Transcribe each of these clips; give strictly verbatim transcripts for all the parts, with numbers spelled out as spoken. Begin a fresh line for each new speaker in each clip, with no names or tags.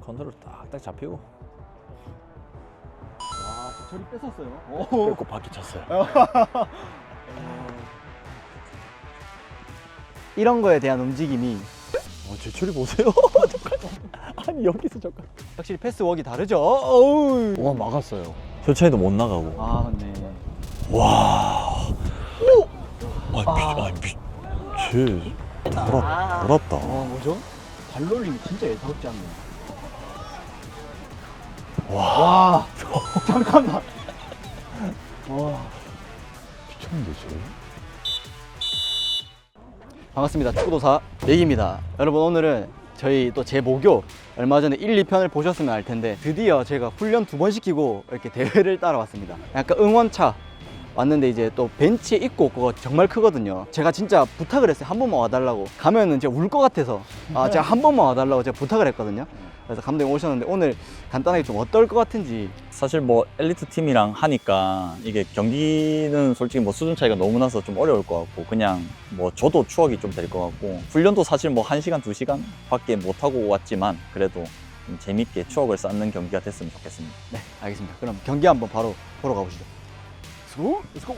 컨트롤 딱딱 잡히고.
와, 저리 뺏었어요.
뺏고 바퀴 쳤어요.
이런 거에 대한 움직임이
어, 제 처리 보세요. 아니 여기서 잠깐.
확실히 패스웍이 다르죠. 어우.
와 막았어요. 셔차이도 못 나가고.
아, 맞네.
와. 오. 아, 미, 아, 미, 쟤 돌았, 돌았다.
와, 뭐죠? 발놀림이 진짜 예사롭지 않네.
와.
와. 잠깐만. 와.
미쳤는데 쟤.
반갑습니다. 축구도사 맥입니다. 여러분, 오늘은 저희 또 제 모교 얼마 전에 일, 이 편을 보셨으면 알 텐데 드디어 제가 훈련 두 번 시키고 이렇게 대회를 따라왔습니다. 약간 응원차 왔는데 이제 또 벤치에 있고 그거 정말 크거든요. 제가 진짜 부탁을 했어요. 한 번만 와달라고. 가면은 제가 울 것 같아서 아 제가 한 번만 와달라고 제가 부탁을 했거든요. 그래서 감독님 오셨는데 오늘 간단하게 좀 어떨 것 같은지.
사실 뭐 엘리트 팀이랑 하니까 이게 경기는 솔직히 뭐 수준 차이가 너무 나서 좀 어려울 것 같고 그냥 뭐 저도 추억이 좀 될 것 같고 훈련도 사실 뭐 한 시간, 두 시간 밖에 못 하고 왔지만 그래도 좀 재밌게 추억을 쌓는 경기가 됐으면 좋겠습니다.
네, 알겠습니다. 그럼 경기 한번 바로 보러 가보시죠. 렛츠고! 렛츠고!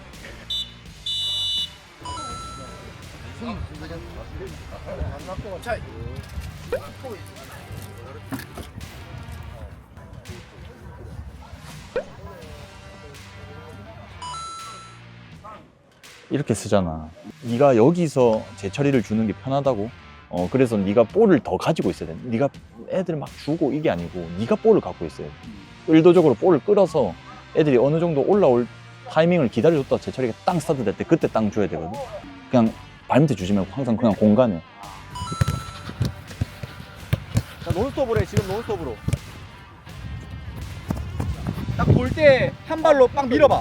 이렇게 쓰잖아. 네가 여기서 제처리를 주는 게 편하다고. 어 그래서 네가 볼을 더 가지고 있어야 돼. 네가 애들 막 주고 이게 아니고 네가 볼을 갖고 있어야 돼. 의도적으로 볼을 끌어서 애들이 어느 정도 올라올 타이밍을 기다려줬다 제처리가 땅 스타트 될 때 그때 땅 줘야 되거든. 그냥 발밑에 주지 말고 항상 그냥 공간에.
자, 논스톱으로 해, 지금 논스톱으로. 딱 볼 때 한 발로 빡 밀어봐.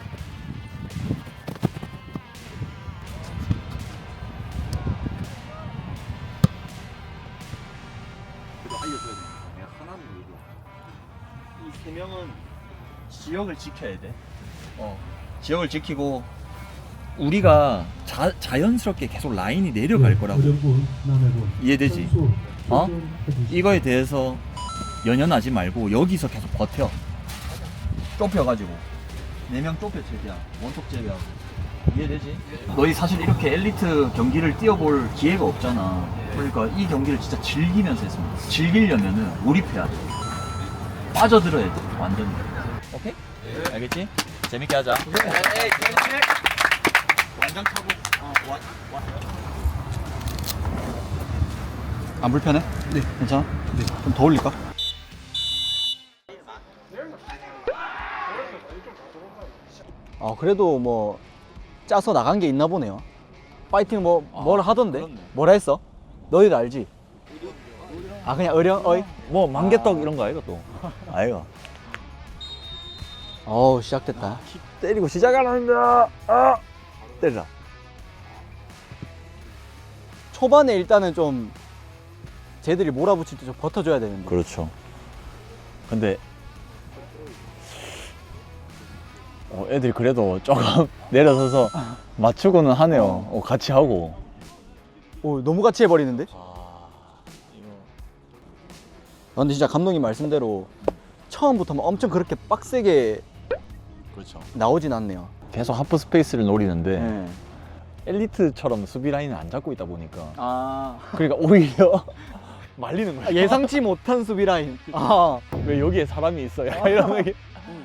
알려줘야 돼. 내가 하나는 얘기해. 이 세 명은 지역을 지켜야 돼. 어. 지역을 지키고
우리가 자, 자연스럽게 계속 라인이 내려갈 거라고. 이해되지? 어? 이거에 대해서 연연하지 말고 여기서 계속 버텨. 좁혀가지고 네 명 좁혀 최대한 원톱 제외하고. 이해되지? 너희 사실 이렇게 엘리트 경기를 뛰어볼 기회가 없잖아. 그러니까 이 경기를 진짜 즐기면서 했으면 돼. 즐기려면은 몰입해야 돼. 빠져들어야 돼 완전히. 오케이? 알겠지? 재밌게 하자.
완전 타고. 어, 와, 와. 안 불편해? 네. 괜찮아? 네. 좀 더 올릴까? 아, 그래도 뭐 짜서 나간 게 있나 보네요. 파이팅 뭐 뭘
아,
하던데?
그렇네.
뭐라 했어? 너희도 알지? 아, 그냥 의령 어이?
뭐 만개떡 이런 거 아이가 또. 아이가.
어우, 시작됐다.
때리고 시작하는다. 아! 때리라.
초반에 일단은 좀 쟤들이 몰아붙일 때 좀 버텨줘야 되는데.
그렇죠. 근데 어, 애들이 그래도 조금 내려서서 맞추고는 하네요. 어, 같이 하고.
오, 너무 같이 해버리는데?
아, 이거.
아, 근데 진짜 감독님 말씀대로 처음부터 막 엄청 그렇게 빡세게
그렇죠.
나오진 않네요.
계속 하프 스페이스를 노리는데
네.
엘리트처럼 수비 라인을 안 잡고 있다 보니까
아,
그러니까 오히려 말리는 거야.
예상치 못한 수비 라인. 아,
왜 여기에 사람이 있어? 약간
아.
이런 게.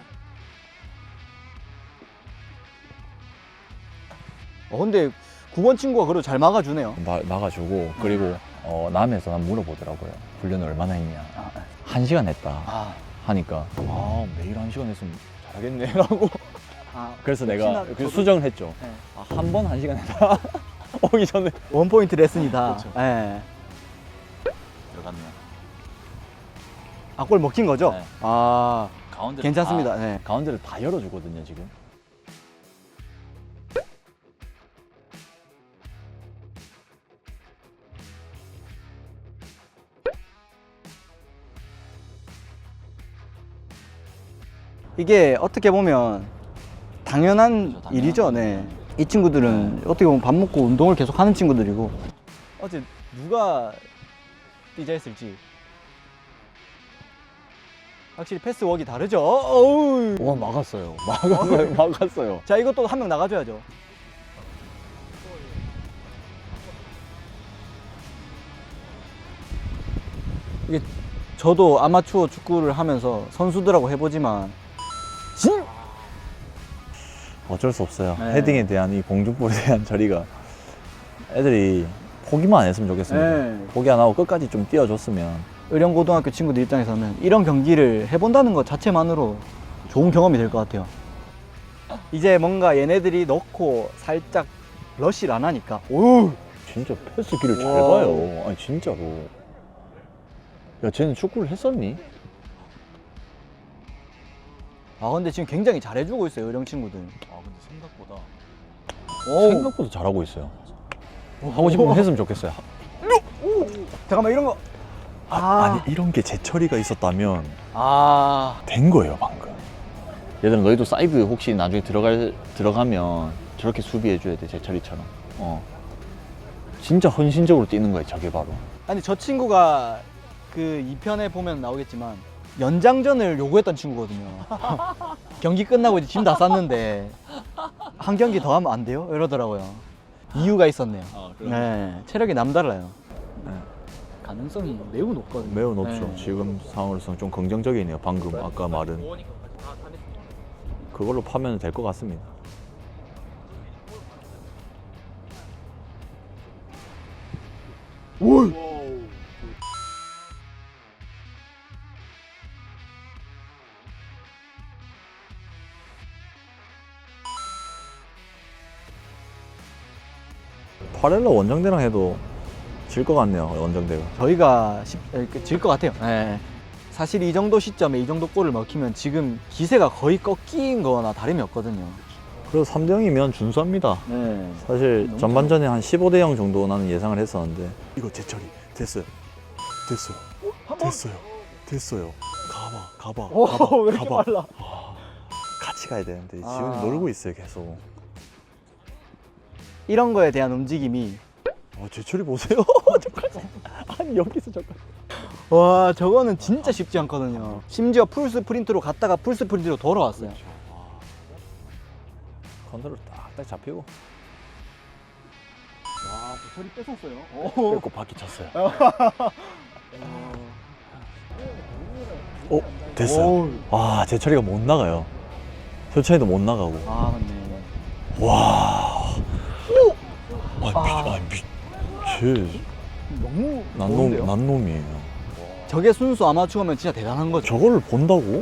어, 근데 구 번 친구가 그래도 잘 막아주네요.
마, 막아주고 그리고 어, 남에서 난 물어보더라고요. 훈련을 얼마나 했냐. 한 시간 했다
아,
하니까 아 매일 한 시간 했으면 잘하겠네 라고.
아,
그래서 내가
혹시나
그
저도-
수정을 했죠.
네.
아, 한 번 한 시간 했다. 오기 전에
원 포인트 레슨이다.
그렇죠.
예.
들어갔네요.
아, 골 먹힌 거죠?
네.
아,
가운데
괜찮습니다.
다,
네.
가운데를 다 열어주거든요 지금.
이게 어떻게 보면 당연한
그렇죠, 당연한
일이죠. 네. 이 친구들은 어떻게 보면 밥 먹고 운동을 계속 하는 친구들이고. 어제 누가 뛰자 했을지 확실히 패스웍이 다르죠. 어우.
와 막았어요. 막았어요. 막았어요.
자, 이것도 한 명 나가줘야죠. 이게 저도 아마추어 축구를 하면서 선수들하고 해보지만 진
어쩔 수 없어요.
네.
헤딩에 대한 이 공중볼에 대한 처리가 애들이 포기만 안 했으면 좋겠습니다.
네.
포기 안 하고 끝까지 좀 뛰어줬으면.
의령고등학교 친구들 입장에서는 이런 경기를 해본다는 것 자체만으로 좋은 경험이 될 것 같아요. 이제 뭔가 얘네들이 넣고 살짝 러쉬를 안 하니까 오!
진짜 패스 길을 잘
와.
봐요. 아니 진짜로. 야 쟤는 축구를 했었니?
아 근데 지금 굉장히 잘해주고 있어요, 의령 친구들.
아 근데 생각보다
오.
생각보다 잘하고 있어요. 하고 싶으면 했으면 좋겠어요.
잠깐만 이런 거.
아,
아.
아니 이런 게 제처리가 있었다면
아.
된 거예요 방금. 얘들아 너희도 사이드 혹시 나중에 들어갈 들어가면 저렇게 수비해줘야 돼 제처리처럼. 어. 진짜 헌신적으로 뛰는 거예요 저게 바로.
아니 저 친구가 그 이 편에 보면 나오겠지만 연장전을 요구했던 친구거든요. 경기 끝나고 이제 짐 다 쌌는데 한 경기 더 하면 안 돼요? 이러더라고요. 이유가 있었네요.
아,
네, 체력이 남달라요.
네.
가능성이 매우 높거든요.
매우 높죠.
네.
지금 상황으로서는 좀 긍정적이네요. 방금 아까 말은 그걸로 파면 될 것 같습니다.
오!
파렐라 원정대랑 해도 질 것 같네요. 원정대가.
저희가 질 것 같아요. 네. 사실 이 정도 시점에 이 정도 골을 먹히면 지금 기세가 거의 꺾인 거나 다름이 없거든요.
그래서 삼 대 영이면 준수합니다.
네.
사실
너무
전반전에 한 십오 대 영 정도 나는 예상을 했었는데 이거 제처리 됐어요. 됐어요. 됐어요. 됐어요. 가봐, 가봐,
오,
가봐,
왜 이렇게
가봐.
빨라?
같이 가야 되는데 지훈이
아.
놀고 있어요 계속.
이런 거에 대한 움직임이
어, 제처리 보세요. 저까지. 아니 여기서 저까지.
와 저거는 진짜 쉽지 않거든요. 심지어 풀 스프린트로 갔다가 풀 스프린트로 돌아왔어요.
컨트롤 딱딱 잡히고
와 저리 뺏었어요.
뺏고 바퀴 쳤어요. 어 됐어요. 아 제처리가 못 나가요. 효찬이도 못 나가고.
아 맞네.
와. 아, 미, 아, 미, 쟤,
너무
난
좋은데요?
놈, 난 놈이에요.
저게 순수 아마추어면 진짜 대단한 거죠.
저걸 본다고?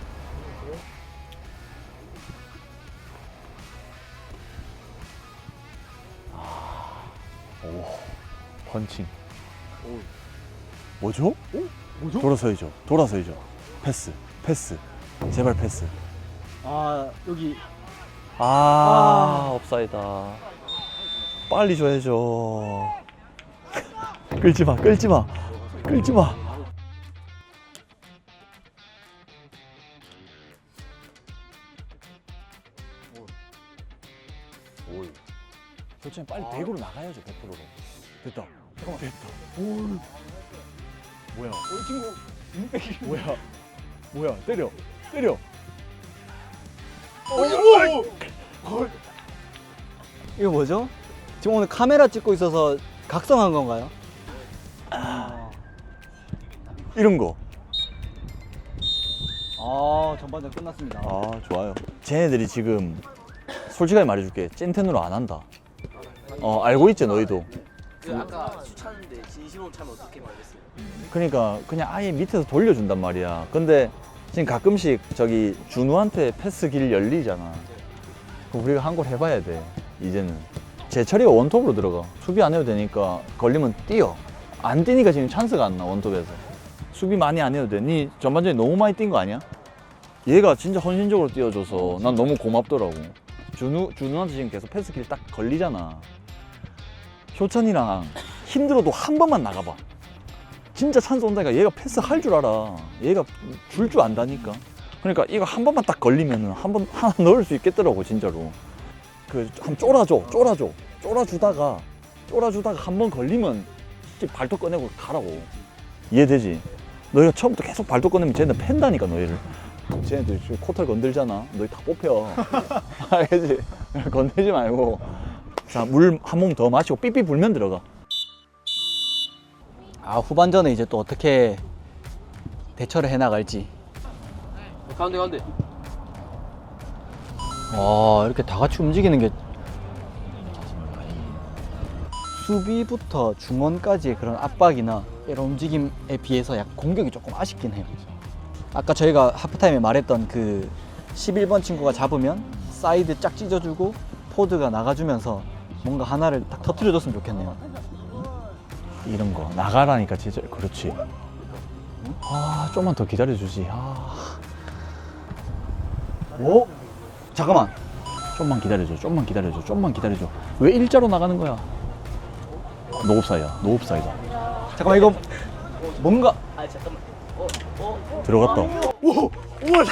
오, 펀칭. 뭐죠?
뭐죠?
돌아서야죠. 돌아서야죠. 패스, 패스. 제발 패스.
아 여기
아, 업사이다. 빨리 줘야죠. 끌지 마, 끌지 마, 끌지 마. 올. 교체는 빨리 백으로 나가야죠, 백 퍼센트로. 됐다. 잠깐만. 됐다. 올. 뭐야?
우리 친구 눈빼기.
뭐야? 뭐야? 때려. 때려.
이거 뭐죠? 지금 오늘 카메라 찍고 있어서 각성한 건가요?
이런 거.
아 전반전 끝났습니다.
아, 좋아요. 쟤네들이 지금 솔직하게 말해줄게. 찐텐으로 안 한다. 어, 알고 있지, 너희도.
그 아까 수차는데 진심으로 차면 어떻게 말했어요?
그러니까 그냥 아예 밑에서 돌려준단 말이야. 근데 지금 가끔씩 저기 준우한테 패스 길 열리잖아. 그럼 우리가 한 골 해봐야 돼. 이제는 제철이가 원톱으로 들어가. 수비 안 해도 되니까 걸리면 뛰어. 안 뛰니까 지금 찬스가 안 나. 원톱에서 수비 많이 안 해도 돼. 니 전반전에 너무 많이 뛴 거 아니야? 얘가 진짜 헌신적으로 뛰어줘서 난 너무 고맙더라고. 준우 준우한테 지금 계속 패스 길 딱 걸리잖아. 효찬이랑 힘들어도 한 번만 나가봐. 진짜 찬스 온다니까. 얘가 패스 할 줄 알아. 얘가 줄 줄 안다니까. 그러니까 이거 한 번만 딱 걸리면은 한 번 하나 넣을 수 있겠더라고 진짜로. 그 한 쫄아줘, 쫄아줘, 쫄아주다가 쫄아주다가 한 번 걸리면 발톱 꺼내고 가라고. 이해되지? 너희가 처음부터 계속 발도 꺼내면 쟤는 팬다니까 너희를. 쟤네들 지금 코털 건들잖아. 너희 다 뽑혀. 알겠지? 건들지 말고. 자, 물 한 몸 더 마시고 삐삐 불면 들어가.
아, 후반전에 이제 또 어떻게 대처를 해나갈지.
가운데 가운데.
와, 이렇게 다 같이 움직이는 게 수비부터 중원까지의 그런 압박이나 이런 움직임에 비해서 약간 공격이 조금 아쉽긴 해요. 아까 저희가 하프타임에 말했던 그 십일 번 친구가 잡으면 사이드 쫙 찢어주고 포드가 나가주면서 뭔가 하나를 딱 터트려줬으면 좋겠네요.
이런 거 나가라니까 진짜. 그렇지. 아, 좀만 더 기다려주지. 아,
오? 잠깐만.
좀만 기다려줘. 좀만 기다려줘. 좀만 기다려줘. 왜 일자로 나가는 거야? 노옵사이야. 노옵사이다.
잠깐만, 이거 뭔가
아 잠깐만. 어 어.
들어갔다.
오! 우와!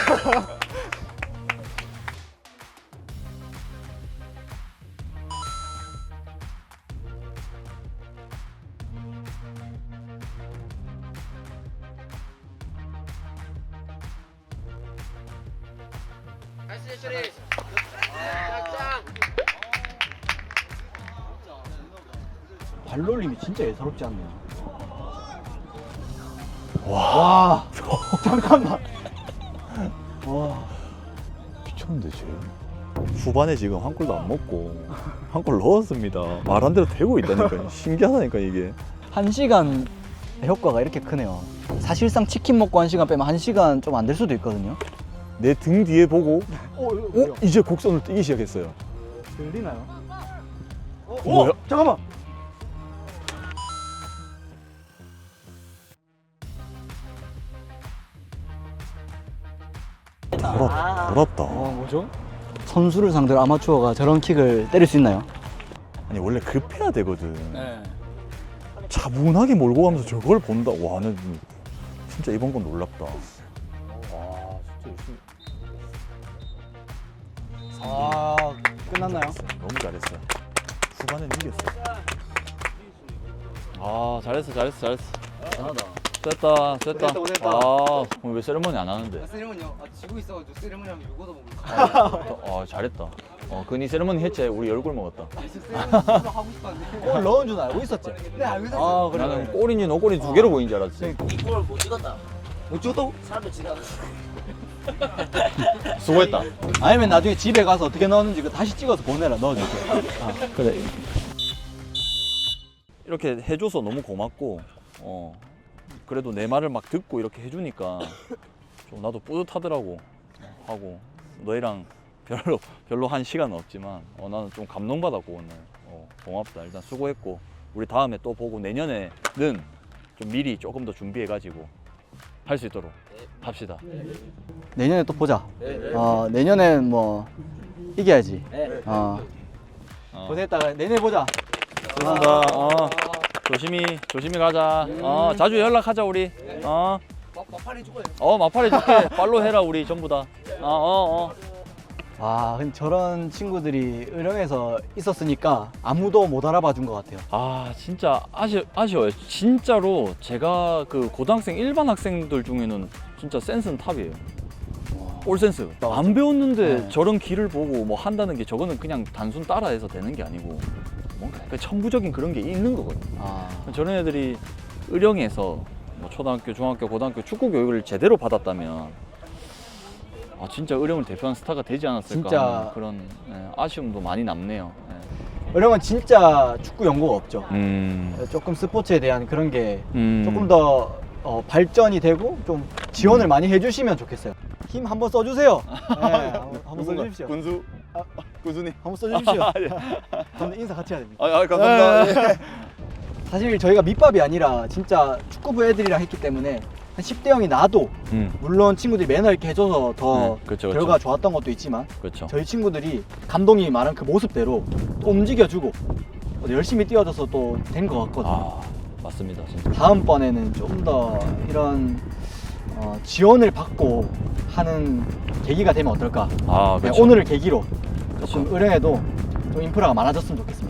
나이스 처리. 짱짱.
발놀림이 진짜 예사롭지 않네요. 와, 잠깐만. 와,
미쳤는데 쟤. 후반에 지금 한 골도 안 먹고 한 골 넣었습니다. 말한 대로 되고 있다니까. 신기하다니까 이게.
한 시간 효과가 이렇게 크네요. 사실상 치킨 먹고 한 시간 빼면 한 시간 좀 안 될 수도 있거든요.
내 등 뒤에 보고
오,
어? 이제 곡선을 뛰기 시작했어요.
들리나요? 어,
뭐야?
잠깐만.
돌았, 돌았다.
어, 뭐죠? 선수를 상대로 아마추어가 저런 킥을 때릴 수 있나요?
아니 원래 급해야 되거든.
네.
차분하게 몰고 가면서 저걸 본다. 와, 나 진짜 이번 건 놀랍다. 와, 진짜 열심히.
아, 끝났나요?
너무 잘했어. 후반엔 이겼어. 아, 잘했어, 잘했어, 잘했어.
대단하다.
됐다, 됐다.
됐다, 됐다.
아, 그럼 왜 세레머니 안 하는데?
세레머니요? 아 지고 있어가지고 세레머니 하면 요거도 먹을
아, 잘했다. 어, 그니 세레머니 했지. 우리 열골 먹었다.
세레머니 하고 싶었는데.
골 넣은 줄 알고 있었지?
네 알고 있었어.
아, 그래.
나는 골인지 노골인지 두 개로 보인 줄 알았지.
이걸 못 찍었다.
못 찍었다고?
사람들 지나가.
수고했다.
아니면 나중에 집에 가서 어떻게 넣었는지 그 다시 찍어서 보내라, 넣어줄게.
그래. 이렇게 해줘서 너무 고맙고, 어, 그래도 내 말을 막 듣고 이렇게 해주니까 좀 나도 뿌듯하더라고. 하고 너희랑 별로 별로 한 시간은 없지만 어, 나는 좀 감동받았고 오늘. 어, 고맙다. 일단 수고했고 우리 다음에 또 보고 내년에는 좀 미리 조금 더 준비해가지고 할 수 있도록 합시다.
내년에 또 보자. 어, 내년엔 뭐 이겨야지.
네.
어.
어.
고생했다가 내년에 보자.
수고한다. 어, 조심히 조심히 가자. 어, 자주 연락하자 우리. 어,
막판에 죽어요.
어 마팔 해줄게. 팔로 해라 우리 전부 다. 어, 어, 어.
와, 근데 저런 친구들이 의령에서 있었으니까 아무도 못 알아봐 준 것 같아요.
아 진짜 아쉬, 아쉬워요. 진짜로 제가 그 고등학생 일반 학생들 중에는 진짜 센스는 탑이에요. 올 센스. 안 배웠는데
네.
저런 길을 보고 뭐 한다는 게 저거는 그냥 단순 따라해서 되는 게 아니고 뭔가 그 천부적인 그런 게 있는 거거든요.
아,
저런 애들이 의령에서 뭐 초등학교, 중학교, 고등학교 축구 교육을 제대로 받았다면 아 진짜 의령을 대표하는 스타가 되지 않았을까
진짜.
하는 그런 예, 아쉬움도 많이 남네요. 예.
의령은 진짜 축구 연고가 없죠.
음,
조금 스포츠에 대한 그런 게
음.
조금 더 어, 발전이 되고 좀 지원을 많이 해주시면 좋겠어요. 힘 한번 써주세요. 네, 한번, 한번 써주십시오.
군수
아,
군수님.
한번 써주십시오. 한번 인사 같이 해야 됩니다.
아, 아 감사합니다.
네. 사실 저희가 밑밥이 아니라 진짜 축구부 애들이랑 했기 때문에 한 십 대 영이 나도
음,
물론 친구들이 매너 있게 해줘서 더
음, 그쵸,
결과가
그쵸.
좋았던 것도 있지만
그렇죠.
저희 친구들이 감독님이 말한 그 모습대로 또 움직여주고 또 열심히 뛰어줘서 또 된 것 같거든요.
아 맞습니다, 진짜.
다음번에는 좀 더 이런 어, 지원을 받고 하는 계기가 되면 어떨까.
아
네,
그렇죠.
오늘을 계기로
그쵸.
조금 의령에도 좀 인프라가 많아졌으면 좋겠습니다.